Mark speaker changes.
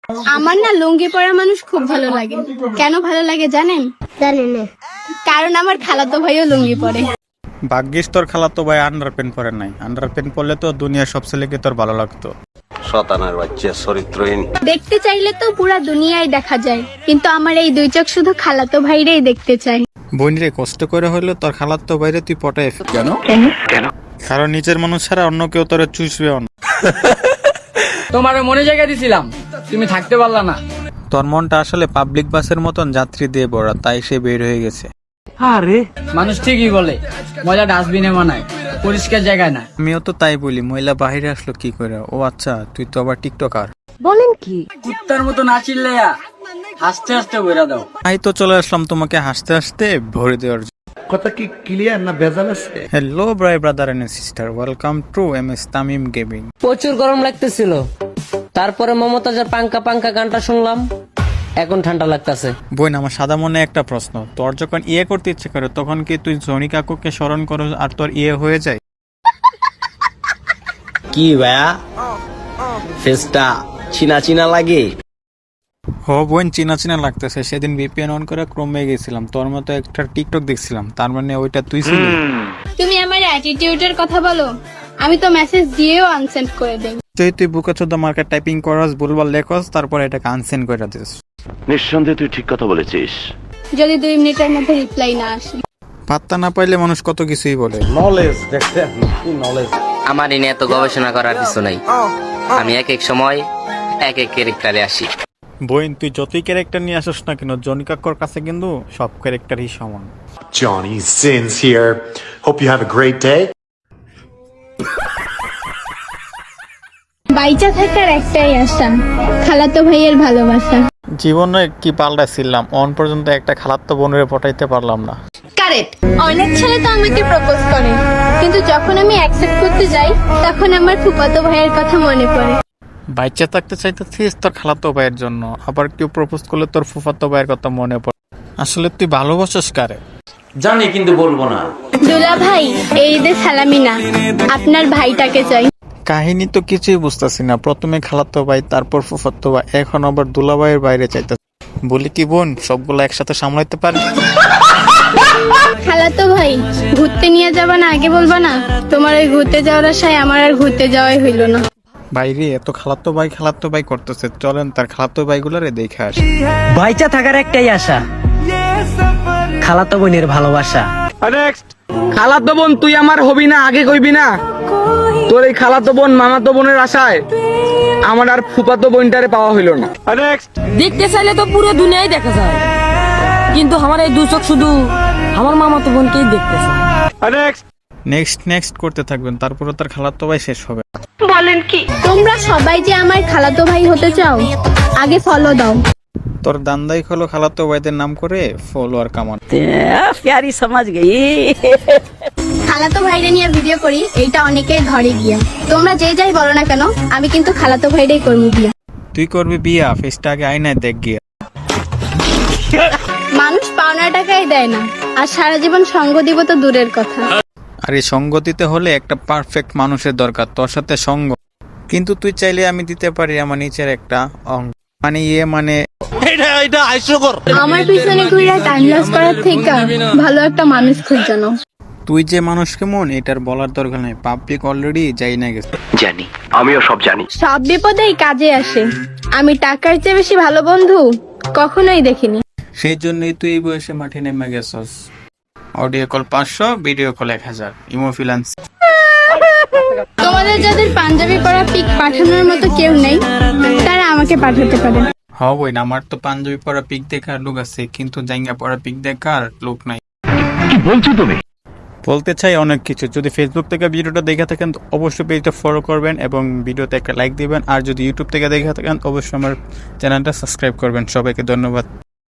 Speaker 1: আমার না লুঙ্গি পরা মানুষ খুব ভালো লাগে। কেন ভালো লাগে জানেন?
Speaker 2: জানেন না?
Speaker 1: কারণ আমার খালাতো ভাইও লুঙ্গি পরে।
Speaker 3: ভাগ্যিস তোর খালাতো ভাই আন্ডার প্যান্ট পরে নাই। আন্ডার প্যান্ট পরলে তো দুনিয়ার সব ছেলেকে তোর ভালো লাগতো।
Speaker 4: শতানার বাচ্চা চরিত্রহীন।
Speaker 1: দেখতে চাইলে তো পুরা দুনিয়ায় দেখা যায়, কিন্তু আমার এই দুই চোখ শুধু খালাতো ভাইরেই দেখতে চাই।
Speaker 3: বোনরে কষ্ট করে হইলো তোর খালাতো বাইরে তুই পটায় কেন? কারণ নিজের মানুষ ছাড়া অন্য কেউ তোরে চুষবেও না।
Speaker 5: তোমার মনে জায়গা দিছিলাম, তুমি থাকতে পারলা না।
Speaker 3: তোর মনটা আসলে পাবলিক বাসের মতন যাত্রী দিয়ে ভরা, তাই সে বের হয়ে গেছে।
Speaker 5: মানুষ ঠিকই বলে মজা ডাস্টবিনে মানায়, পরিষ্কার জায়গায় না।
Speaker 3: আমিও তো তাই বলি, মহিলা বাহিরে আসলো কি করে? ও আচ্ছা, তুই তো আবার টিকটকার।
Speaker 2: বলেন কি?
Speaker 5: কুত্তার মতো না চিল্লাইয়া হাসতে হাসতে বইরা দাও।
Speaker 3: তাই তো চলে আসলাম তোমাকে হাসতে হাসতে ভরে দেওয়ার জন্য।
Speaker 6: কথা কি ক্লিয়ার না ভেজাল আছে?
Speaker 3: Hello brother and sister, welcome to MS Tamim gaming.
Speaker 7: প্রচুর গরম লাগতেছিল, তারপরে মমতাজের পাঙ্কা পাঙ্কা গানটা শুনলাম, এখন ঠান্ডা লাগতেছে।
Speaker 3: বোন, আমার সাদা মনে একটা প্রশ্ন, তোর যখন ইয়ে করতে ইচ্ছে করে তখন কি তুই জনি কাকুকে স্মরণ করো আর তোর ইয়ে হয়ে যায়?
Speaker 4: কি ভাইয়া, ফেসটা চিনা চিনা লাগে।
Speaker 3: হো বোন, চিনা চিনা লাগতেছে। সেদিন VPN অন করে ক্রমে গেছিলাম, তোর মতো একটা টিকটক দেখছিলাম, তার মানে ওইটা তুই ছিলি।
Speaker 1: তুমি আমার অ্যাটিটিউডের কথা বলো, আমি তো মেসেজ দিয়েও আনসেন্ড করে দেই।
Speaker 3: তুই বুকা চোদ্দা মার্কেট টাইপিং করস, ভুলভাল লেখস, তারপর এটাকে আনসেন্ড করে দিস।
Speaker 8: নিঃসন্দেহে তুই ঠিক কথা বলেছিস।
Speaker 1: যদি 2 মিনিটের মধ্যে রিপ্লাই না আসে।
Speaker 3: পাত্তা না পাইলে মানুষ কত কিছুই বলে।
Speaker 4: নলেজ দেখছেন, কি নলেজ।
Speaker 7: আমার এনে এত গবেষণা করার কিছু নাই, আমি এক এক সময় এক এক ক্যারেক্টারে আসি।
Speaker 3: বোন, তুই যতই ক্যারেক্টার নিয়ে আসিস না কেন, জনি কাকুর কাছে কিন্তু সব ক্যারেক্টারই সমান।
Speaker 8: Johnny Sins here. Hope you have a great day.
Speaker 1: বাইচা থাকার একটাই আশা, খালাতো ভাইয়ের ভালোবাসা।
Speaker 3: জীবনে কি পাল্টাছিলাম, অন পর্যন্ত একটা খালাতো বোনের পটাইতে পারলাম না।
Speaker 1: কারেক্ট। অনেক ছেলে তো আমাকে প্রপোজ করে, কিন্তু যখন আমি অ্যাকসেপ্ট করতে যাই তখন আমার ফুফাতো ভাইয়ের কথা মনে পড়ে।
Speaker 3: বাচ্চা থাকতে চাইতেছিস তোর খালাতো ভাইয়ের জন্য, আবার কেউ প্রপোজ করলে তোর ফুফাতো ভাইয়ের কথা মনে পড়ে। আসলে তুই ভালোবাসিস কারে?
Speaker 4: জানি কিন্তু বলবো না।
Speaker 1: দুলা ভাই, এই ঈদে সালামি না, আপনার ভাইটাকে চাই।
Speaker 3: কাহিনী তো কিছুই বুঝতেছি না। প্রথমে খালাতো ভাই, তারপর ফুফাতো ভাই, এখন আবার দুলা ভাইয়ের বাইরে চাইতেছে। বলি কি বোন, সবগুলো একসাথে সামলাইতে পারি?
Speaker 1: খালাতো ভাই, ঘুরতে নিয়ে যাবা না আগে বলবা না? তোমার ওই ঘুরতে যাওয়ার আশায় আমার আর ঘুরতে যাওয়াই হইল না।
Speaker 3: বাইরে এত খালাতো ভাই করতেছে, চলেন তার খালাতো ভাইগুলারে দেখে আসি।
Speaker 7: বাইচা থাকার একটাই আশা, খালাতো বোনের ভালোবাসা।
Speaker 5: খালাতো বোন তুই আমার হবি না, আগে কইবি না? তোর এই খালাতো বোন মামাতো বোনের আশায় আমার আর ফুপাতো বোনটারে পাওয়া হইল না।
Speaker 9: দেখতে চাইলে তো পুরো দুনিয়ায় দেখা যায়, কিন্তু আমার এই দু চোখ শুধু আমার মামাতো বোনকেই দেখতে চায়।
Speaker 3: নেক্সট করতে থাকবেন, তারপরে তার খালাতো ভাই শেষ হবে।
Speaker 1: বলেন কি? তোমরা সবাই যে আমার খালাতো ভাই হতে চাও, আগে ফলো দাও।
Speaker 3: তোর দান্দাই হলো খালাতো ভাইদের নাম করে ফলোয়ার কামান।
Speaker 9: প্যারি সমাজ গই।
Speaker 1: খালাতো ভাইরে নিয়ে ভিডিও করি, এইটা অনেকের ঘরে গিয়া। তোমরা যে যাই বলো না কেন, আমি কিন্তু খালাতো ভাইরেই করবো বিয়া।
Speaker 3: তুই করবি বিয়া? ফেসটা আগে আয়নায় দেখ গিয়া।
Speaker 1: মানুষ পাওনা টাকাই দেয় না, আর সারা জীবন সঙ্গ দিব তো দূরের কথা।
Speaker 3: আর এই সঙ্গতিতে হলে একটা পারফেক্ট মানুষের দরকার, তোর সাথে সঙ্গ। কিন্তু তুই চাইলে আমি দিতে পারি আমার নিচের একটা অঙ্গ, মানে
Speaker 1: আমার পিছনে ঘুরে টাইম লস করার থেকে ভালো একটা মানুষ খুঁজানো।
Speaker 3: তুই যে মানুষ কেমন এটার বলার দরকার নাই, পাবলিক অলরেডি যাই না গেছে।
Speaker 8: জানি, আমিও সব জানি।
Speaker 1: সব বিপদেই কাজে আসে, আমি টাকার চেয়ে বেশি ভালো বন্ধু কখনোই দেখিনি।
Speaker 3: সেই জন্যই তুই এই বয়সে মাঠে নেমে গেছস। Audio call 500, video call 1000, imo finance.
Speaker 1: তোমাদের যাদের পাঞ্জাবি পরা পিক পাঠানোর মতো কেউ নেই, তারা আমাকে পাঠাতে পারে।
Speaker 3: হবই না, আমার তো পাঞ্জাবি পরা পিক দেখার লোক আছে, কিন্তু জাঙ্গা পরা পিক দেখার লোক নাই।
Speaker 8: কি বলছো তুমি?
Speaker 3: বলতে চাই অনেক কিছু। যদি ফেসবুক থেকে ভিডিওটা দেখে থাকেন তো অবশ্যই পেজটা ফলো করবেন এবং ভিডিওতে একটা লাইক দিবেন, আর যদি ইউটিউব থেকে দেখে থাকেন অবশ্যই আমার চ্যানেলটা সাবস্ক্রাইব করবেন। সবাইকে ধন্যবাদ।